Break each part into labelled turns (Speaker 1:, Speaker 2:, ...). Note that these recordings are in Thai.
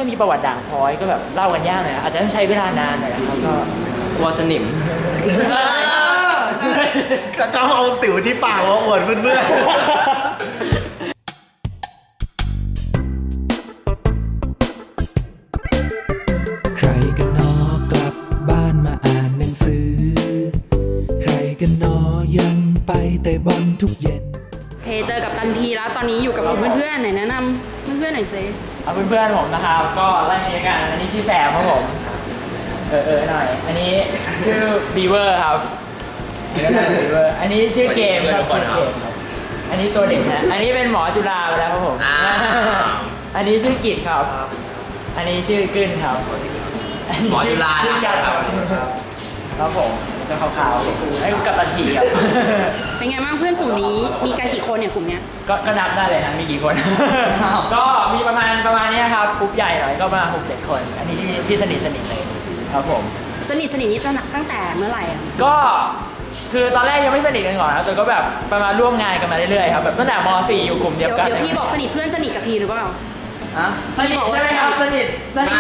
Speaker 1: ก็มีประวัติด่างพร้อยก็แบบเล่ากันยากหน่อยอาจจะต้องใช้เวลานานหน่อยครับก็กลัวสนิม
Speaker 2: ก็ชอบเอาสิวที่ปากมาอวดเพื่อน
Speaker 3: ใครกันนอกลับบ้านมาอ่านหนังสือใครกันนอยังไปแต่บอลทุกเย็น
Speaker 4: เจอกับตันทีแล้วตอนนี้อยู่กับเพื่อนๆไหนแนะนำเพื่อนๆหน่อยสิ
Speaker 1: เอาเพื่อนๆผมนะครับก็ไล่เรียงกันอันนี้ชื่อแซมครับผมหน่อยอันนี้ชื่อบีเวอร์ครับบีเวอร์อันนี้ชื่อเกมครับอันนี้ตัวเด็กนะอันนี้เป็นหมอจุฬาไปแล้วครับผมอันนี้ชื่อกิจครับอันนี้ชื่อกึ้นครับ
Speaker 5: หมอจุฬา
Speaker 1: ชื่อกัดครับผมจะขาวๆไอ้กับตันทีครับ
Speaker 4: เป็นไงบ้างเพื่อนกลุ่มนี้มีกันกี่คนเนี่ยกลุ่มเนี้ย
Speaker 1: ก็นับได้เลยนะมีกี่คนก็มีประมาณนี้ครับกลุ่มใหญ่หน่อยก็ประมาณ 6-7 คนอันนี้ที่สนิทเลยครับผม
Speaker 4: สนิทนี่ตั้งแต่เมื่อไหร่อ่ะ
Speaker 1: ก็คือตอนแรกยังไม่สนิทกันก่อนนะแต่ก็แบบประมาณร่วมงานกันมาเรื่อยๆครับแบบตั้งแต่ม .4 อยู่กลุ่มเดียวกัน
Speaker 4: เดี๋ยวพี่บอกสนิทเพื่อนสนิทกับพี่หรือเปล่า
Speaker 1: สนิทใช่ไหมครับสนิท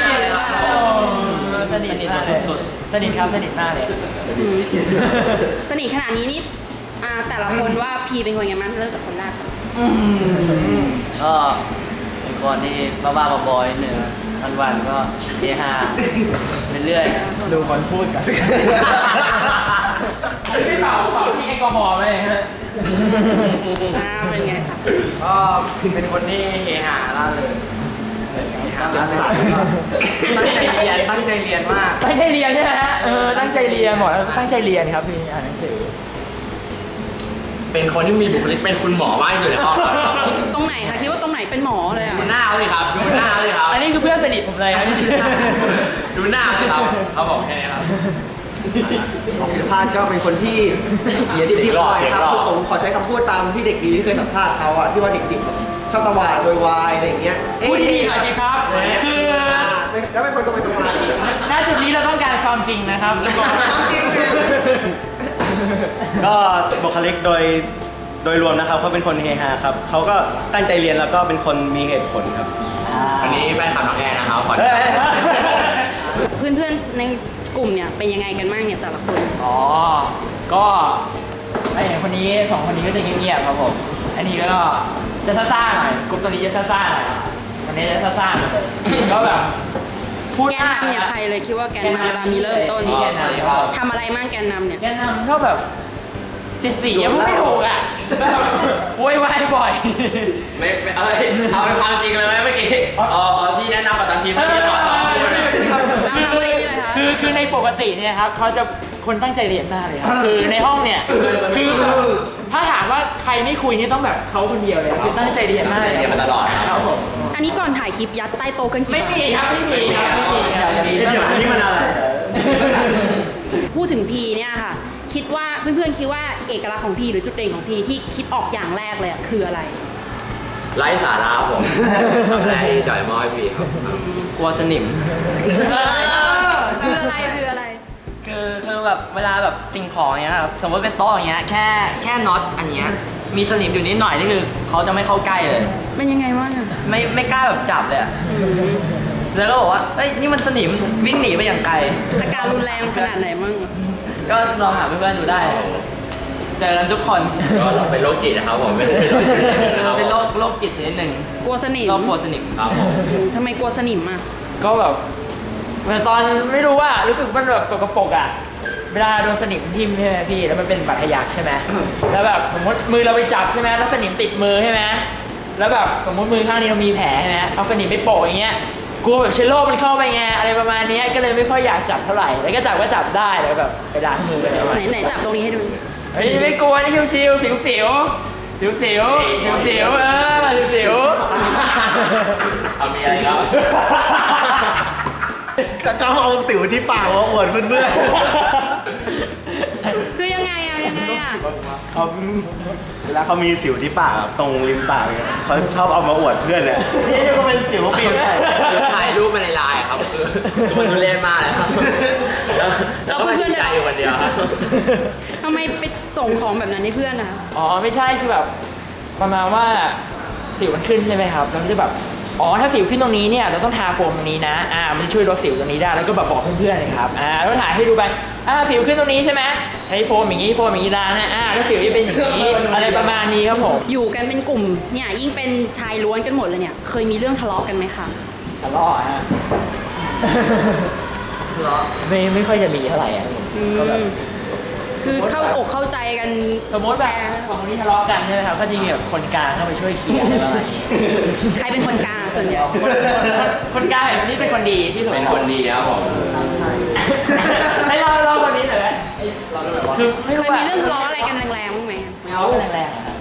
Speaker 1: สุดสนิทครับสนิทมากเลย
Speaker 4: สนิทขนาดนี้นี่แต่ละคนว่าพีเป็นคนยังไงบ้างเริ่มจากคนแรก
Speaker 5: ก็เป็นคนที่บ้าๆบอยๆหนึ่งวันๆก็เฮฮาเรื่อย
Speaker 2: ดูคนพูดกัน
Speaker 1: ไม่เป่าชี้แอลกอฮอล์ไหมฮะ
Speaker 4: เป็นไงคะ
Speaker 5: ก็เป็นคนที่เฮฮาล่าเริงตั้งใจเรียนมาก
Speaker 1: ตั้งใจเรียนใช่ไหมฮะตั้งใจเรียนหมดแล้วตั้งใจเรียนครับพี่อ่านหนังสือ
Speaker 5: เป็นคนที่มีบุคลิกเป็นคุณหมอมากที่สุดในห้อง
Speaker 4: ตรงไหนคะคิดว่าตรงไหนเป็นหมอเลยอ่ะ
Speaker 5: ดูหน้าเลยครับดูหน้าเลยครับ
Speaker 1: อันนี้คือเพื่อนสนิทผมเลยครับ
Speaker 5: ดูหน้าเลยครับเขาบอกแค่นี้ครับ
Speaker 2: ของพิพาทก็เป็นคนที่ติดบ่อยครับคือผมขอใช้คำพูดตามที่เด็กดีที่เคยสัมภาษณ์เขาอะที่ว่าเด็กๆชอบตะวาดโวยวายอะไรอย่างเงี้ย
Speaker 1: พูดดีหน่อยสิครับคือ
Speaker 2: แล้วเป็นคนตรงไปตรงมา
Speaker 1: ณจุดนี้เราต้องการความจริงนะครับ
Speaker 2: ความจริงก็บุคลิกโดยรวมนะครับเขาเป็นคนเฮฮาครับเขาก็ตั้งใจเรียนแล้วก็เป็นคนมีเหตุผลครับ
Speaker 5: อันนี้แฟนคลับน้องแอนนะครับ
Speaker 4: เพื่อนๆในกลุ่มเนี่ยเป็นยังไงกันบ้างเนี่ยแต่ละคน
Speaker 1: ก็ไอ้คนนี้2 คนนี้ก็จะเงียบๆครับผมอันนี้ก็จะซ่าๆหน่อยกลุ่มตัวนี้จะซ่าๆหน่อยอันนี้จะซ่าๆเลยก็แบบ
Speaker 4: พูดแกนนำเนี่ยใครเลยคิดว่าแกนนำเวลามีเริ่มต้นทำอะไรมั่งแกนนำเนี่ย
Speaker 1: แกนนำก็แบบสียังไม่ถูกอ่ะโวยวายบ่อย
Speaker 5: ไม่เอาเป็นความจริงเลยไหมเมื่อกี้ที่แนะนำกับตันทีเมื่อกี้
Speaker 1: คือในปกติเนี่ยครับเขาจะคนตั้งใจเรียนมากเลยครับคือในห้องเนี่ยคือถ้าถามว่าใครไม่คุยนี่ต้องแบบเขาคนเดียวเลยคือตั้งใจเรียนมากเลย
Speaker 5: เรียนมาตลอด
Speaker 1: ครับผม
Speaker 4: อันนี้ก่อนถ่ายคลิปยัดใต้โต๊ะกันกี่
Speaker 1: ไม่มีครับไม่มี
Speaker 2: เดี๋ยวนี้มันอะไร
Speaker 4: พูดถึงพีเนี่ยค่ะคิดว่าเพื่อนๆคิดว่าเอกลักษณ์ของพีหรือจุดเด่นของพีที่คิดออกอย่างแรกเลยคืออะไร
Speaker 5: ไร้สาระผมแรกที่จ่อยมอให้พีครับกลัวสนิม
Speaker 4: คืออะไร
Speaker 5: คือแบบเวลาแบบสิ่งของเงี้ยครับสมมติเป็นโต๊ะอย่างเงี้ยแค่น็อตอันเนี้ยมีสนิมอยู่นิดหน่อยนี่คือเขาจะไม่เข้าใกล้เลย
Speaker 4: เป็นยังไงวะ
Speaker 5: ไม่กล้าแบบจับเลยแล้วก็บอกว่าเฮ้ยนี่มันสนิมวิ่งหนีไปอย่างไกล
Speaker 4: อาการรุนแรงขนาดไหนมั่ง
Speaker 5: ก็ลองหาเพื่อนๆดูได้เจอกันทุกคนก็เราเป็นโรคจิตนะครับผมเป็นโรคจิตชนิดหนึ่ง
Speaker 4: กลัวสนิม
Speaker 5: กลัวสนิมครับ
Speaker 4: ทำไมกลัวสนิมอ่ะ
Speaker 1: ก็แบบตอนไม่รู้ว่ารู้สึกมันแบบสกปรกอ่ะเวลาโดนสนิมทิ่มใช่ไหมพี่แล้วมันเป็นบาดทะยักใช่ไหมแล้วแบบสมมติมือเราไปจับใช่ไหมแล้วสนิมติดมือใช่ไหมแล้วแบบสมมติมือข้างนี้เรามีแผลใช่ไหมเอาสนิมไปโปะอย่างเงี้ยกลัวแบบเชื้อโรคมันเข้าไปไงอะไรประมาณนี้ก็เลยไม่ค่อยอยากจับเท่าไหร่แล้วก็จับได้แล้วแบบไปล้างมืออะไร
Speaker 4: ไหนจับตรงนี้ให้ดู
Speaker 1: ไม่กลัวนี่ชิวๆสิว
Speaker 5: เอามีอะไรครับ
Speaker 2: ก็ชอบเอาสิวที่ปากมาอวดเพื่อน
Speaker 4: คือยังไง
Speaker 2: เขาเวลาเขามีสิวที่ปากตรงริมปากเนี่ยเขาชอบเอามาอวดเพื่อนเนี่ยนี่ก็เป็นสิวปีนใส่
Speaker 5: ถ่ายรูปมาในไลน์ครับคือมันทุเรศมากเลยครับแล้วก็ดีใจอยู่วันเดียว
Speaker 4: ทำไมไปส่งของแบบนั้นให้เพื่อนนะ
Speaker 1: อ๋อไม่ใช่คือแบบประมาณว่าสิวมันขึ้นใช่ไหมครับแล้วจะแบบอ๋อถ้าสิวขึ้นตรงนี้เนี่ยเราต้องทาโฟมตรงนี้นะมันจะช่วยลดสิวตรงนี้ได้แล้วก็แบบบอกเพื่อนๆเลยครับแล้วถ่ายให้ดูไปสิวขึ้นตรงนี้ใช่ไหมใช้โฟมอย่างนี้ล้างนะแล้วสิวจะเป็นอย่างนี้อะไรประมาณนี้ครับผม
Speaker 4: อยู่กันเป็นกลุ่มเนี่ยยิ่งเป็นชายล้วนกันหมดเลยเนี่ยเคยมีเรื่องทะเลาะกันไหมคะ
Speaker 1: ทะเลาะฮะ ไม่ค่อยจะมีเท่าไหร่ก็แบบ
Speaker 4: คือเข้าอกเข้าใจกัน
Speaker 1: สมมติแบบสองคนนี้ทะเลาะกันใช่ไหมครับก็จะมีแบบคนกลางเข้าไปช่วยเคลียร์อะไรประมาณนี้
Speaker 4: ใครเป็นคนกลางส่วนใหญ่
Speaker 1: คนกลางแบบนี้เป็นคนดีที่สุด
Speaker 5: เป็นคนดีครับผม
Speaker 1: ให้เราคนนี้หน่อยไหมคือไม่
Speaker 4: เค
Speaker 1: รู้
Speaker 4: ยมีเรื่องทะเลาะอะไรกันแรงๆบ้างไหม
Speaker 1: ไม่เอาแรงๆอะครับ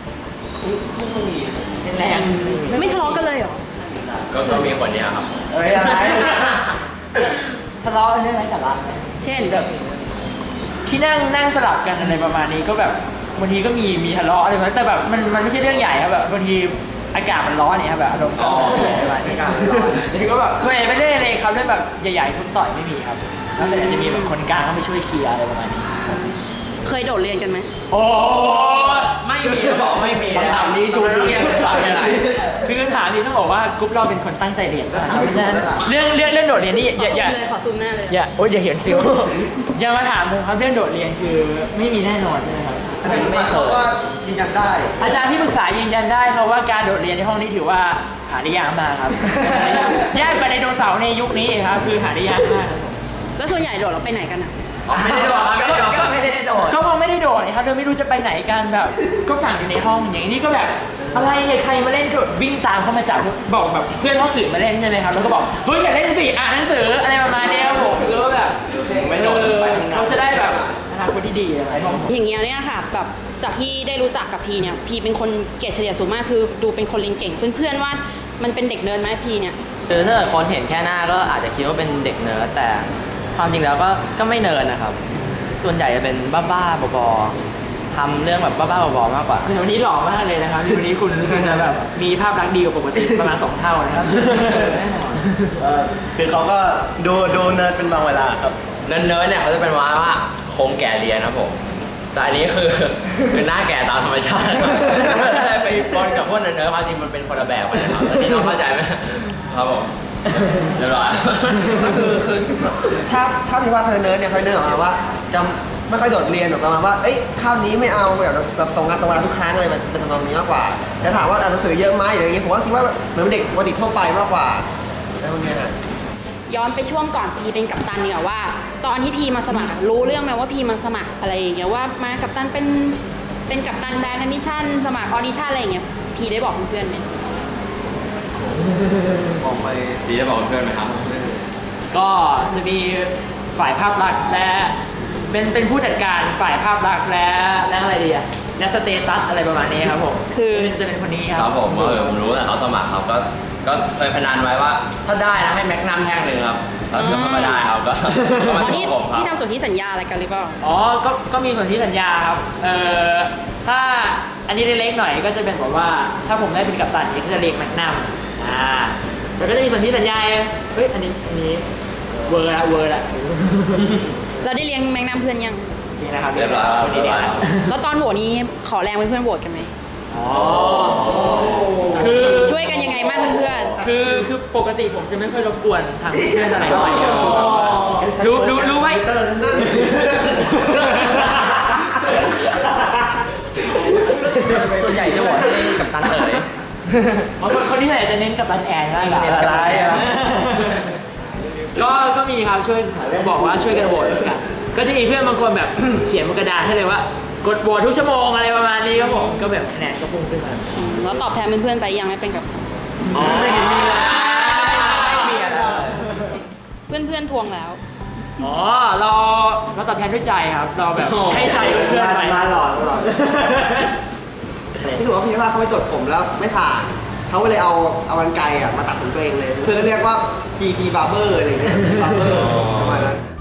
Speaker 1: แรง
Speaker 4: ไม่ทะเลาะกันเลยเหรอ
Speaker 5: ก็มีคนเดียวครับ
Speaker 2: เฮ้ยอะไร
Speaker 1: ทะเลาะกันเรื่องไร้สาระไหม
Speaker 4: เช่น
Speaker 1: แบบที่นั่งสลับกันอะไรประมาณนี้ก็แบบบางทีก็มีทะเลาะอะไรแบบแต่แบบมันไม่ใช่เรื่องใหญ่ครับแบบบางทีอากาศมันร้อนเนี่ยครับแบบอารมณ์อะไรประมาณนี้อากาศมันร้อนบางทีก็แบบไม่ได้เลยครับเรื่องแบบใหญ่ๆทุบต่อยไม่มีครับแล้วแต่อาจจะมีแบบคนกลางเข้าไปช่วยเคลียร์อะไรประมาณนี้
Speaker 4: เคยโดดเรียนกันไหม
Speaker 1: โอ้
Speaker 5: ไม่มีก็บอกไม่มี
Speaker 2: คำถามนี้ดู
Speaker 5: เรียนต่อยังไง
Speaker 1: คือคำถามนี้ต้องบอกว่ากรุ๊ปเราเป็นคนตั้งใจเรียนนะครับเพราะฉะนั้นเรื่องโดดเรียนนี่
Speaker 4: ขอ
Speaker 1: อย่า
Speaker 4: ซูมเลยขอซูมหน้าเลย
Speaker 1: โอ๊ยอย่าเห็นซิว อย่ามาถามผมครับเรื่องโดดเรียนคือไม่มีแน่นอนใช่ไหมครับ
Speaker 2: อาจารย์ไม่เขาก็ยืนยันได้
Speaker 1: อาจารย์ที่ปรึกษายืนยันได้ครับว่าการโดดเรียนในห้องนี้ถือว่าหาได้ยากมากครับ ยากกว่าไดโนเสาร์ในยุคนี้อีกครับคือหาได้ยากมากครับผม
Speaker 4: แล้วส่วนใหญ่โดดเราไปไหนกันอ่ะ
Speaker 5: ไม่ได้โดดครับไม่ได้โดด
Speaker 1: ก็คงไม่ได้โดดนะครับเราไม่รู้จะไปไหนกันแบบก็ฝังอยู่ในห้องอย่างนี้ก็แบบอะไรเนี่ยใครมาเล่นโดดวิ่งตามเข้ามาจับบอกแบบเพื่อนห้องอื่นมาเล่นใช่ไหมครับแล้วก็บอกเฮ้ยอย่าเล่นสิอ่านหนังสืออะไรประมาณนี้ครับผมแล้วก็แบบเขาจะได้แบบอนาคตที่ดีอะไรพวกนี้
Speaker 4: อย่างเงี้ยเนี่ยค่ะแบบจากที่ได้รู้จักกับพีเนี่ยพีเป็นคนเกรดเฉลี่ยสูงมากคือดูเป็นคนเรียนเก่งเพื่อนๆว่ามันเป็นเด็กเนิร์ดไหมพีเนี่ย
Speaker 5: คือถ้าเกิดคนเห็นแค่หน้าก็อาจจะคิดว่าเป็นเด็กเนิร์ดแต่ความจริงแล้วก็ไม่เนิร์ดนะครับ ส่วนใหญ่จะเป็นบ้าๆบอๆทำเรื่องแบบบ้าๆบอๆมากกว่า
Speaker 1: คือวันนี้หล่อมากเลยนะครับวันนี้คุณจะแบบมีภาพลักษณ์ดีกว่าปกติประมาณ2 เท่านะครับแน่นอน
Speaker 2: คือเขาก็ดูเนิร์ดเป็นบางเวลาครับ
Speaker 5: เนิร์ดเนี่ยเขาจะเป็นว่าโครงแก่เรียนครับผมแต่อันนี้คือหน้าแก่ตามธรรมชาติอะไรไปปนกับพวกเนิร์ดความจริงมันเป็นคนละแบบกันนะครับตอนนี้น้องเข้าใจไหมครับผมเรียบร้อย
Speaker 2: คือถ้าพี่ว่าเนิร์ดเนี่ยเขาเนิร์ดออกมาว่าจะไม่ค่อยโดดเรียนหรอกประมาณว่าเอ้ยข้าวนี้ไม่เอาแบบส่งงานตรงเวลาทุกครั้งเลยมันเป็นทำนองนี้มากกว่าแต่ถามว่าอ่านหนังสือเยอะไหมอย่างเงี้ยผมว่าคิดว่าเหมือนเด็กปกติทั่วไปมากกว่าอะไรพวกเนี้ยฮะ
Speaker 4: ย้อนไปช่วงก่อนพีเป็นกัปตันเนี่ยว่า ตอนที่พีมาสมัครอะรู้เรื่องไหมว่าพีมาสมัครอะไรอย่างเงี้ยว่ามากัปตันเป็นกัปตันแบรนด์มิชชั่นสมัครออดิชั่นอะไรอย่างเงี้ยพีได้บอกเพื่อนๆไหม
Speaker 2: บอกไป
Speaker 5: ดีได้บอกเพื่อนไหมครับ
Speaker 1: ก็จะมีฝ่ายภาพลักษณ์และเป็นผู้จัดการฝ่ายภาพลักษณ์และอะไรดีอะและสเตตัสอะไรประมาณนี้ครับผมคือจะเป็นคนนี้ค
Speaker 5: ค
Speaker 1: รั
Speaker 5: รับ บผมผมรู้แต่เขาสมัครครับก็เคยพนันไว้ว่า ถ้าได้นะให้แม็กนัมแท่งหนึ่งครับแล้วก็ไม่ได้ครับก็
Speaker 4: อ๋
Speaker 5: มา
Speaker 4: อที่
Speaker 5: ที่ผมครับ
Speaker 4: ที่ทำส่วนที่สัญญาอะไรกันหรือเปล่า
Speaker 1: อ๋อก็มีส่วนที่สัญญาครับถ้าอันนี้เล็กๆหน่อยก็จะเป็นแบบว่าถ้าผมได้เป็นกัปตันเนี่ยก็จะเรียกแมกนัมแล้วก็จะมีส่วนที่สัญญาเฮ้ยอันนี้เวอร์ละ
Speaker 4: เราได้เลี้ยงแมงน้ำเพื่อนยัง
Speaker 1: นี่นะครับ
Speaker 5: เรียบร้อยครับ
Speaker 1: คนนี้เนี่ยครับ
Speaker 4: แล้วตอนโหวตนี้ขอแรงเพื่อนๆโหวตกันไหม
Speaker 1: อ๋อคือ
Speaker 4: ช่วยกันยังไงบ้างเพื่อน
Speaker 1: คือปกติผมจะไม่ค่อยรบกวนทางเพื่อนอะไรเท่าไหร่ครับรู้ไหม
Speaker 5: ส่วนใหญ่จะโหวตให้กับตันเอ๋ย
Speaker 1: คนที่ไหนจะเน้นกับตันแอนมากกว่า
Speaker 2: อะไรอ่ะ
Speaker 1: ก็มีครับช่วยบอกว่าช่วยกันโหวตกันก็จะมีเพื่อนบางคนแบบเขียนบนกระดาษให้เลยว่ากดโหวตทุกชั่วโมงอะไรประมาณนี้ครับผมก็แบบคะแนนก็พุ่งขึ้นมา
Speaker 4: ๆแล้วตอบแทนเพื่อนๆไปยังไม่เป็นกับ
Speaker 1: อ๋อไม่เห็นมีเลยไม่มีอะไร
Speaker 4: เพื่อนๆทวงแล้ว
Speaker 1: อ๋อเราตอบแทนด้วยใจครับเราแบบให้ใจเพื่อนๆไป
Speaker 2: มาหล่อที่ถือว่าพี่ว่าเขาไปตรวจผมแล้วไม่ผ่านเขาก็เลยเอากรรไกรมาตัดผมตัวเองเลยเพื่อนก็เรียกว่า GT barber อะไรอย่างเงี้ย barber ประมาณนั้น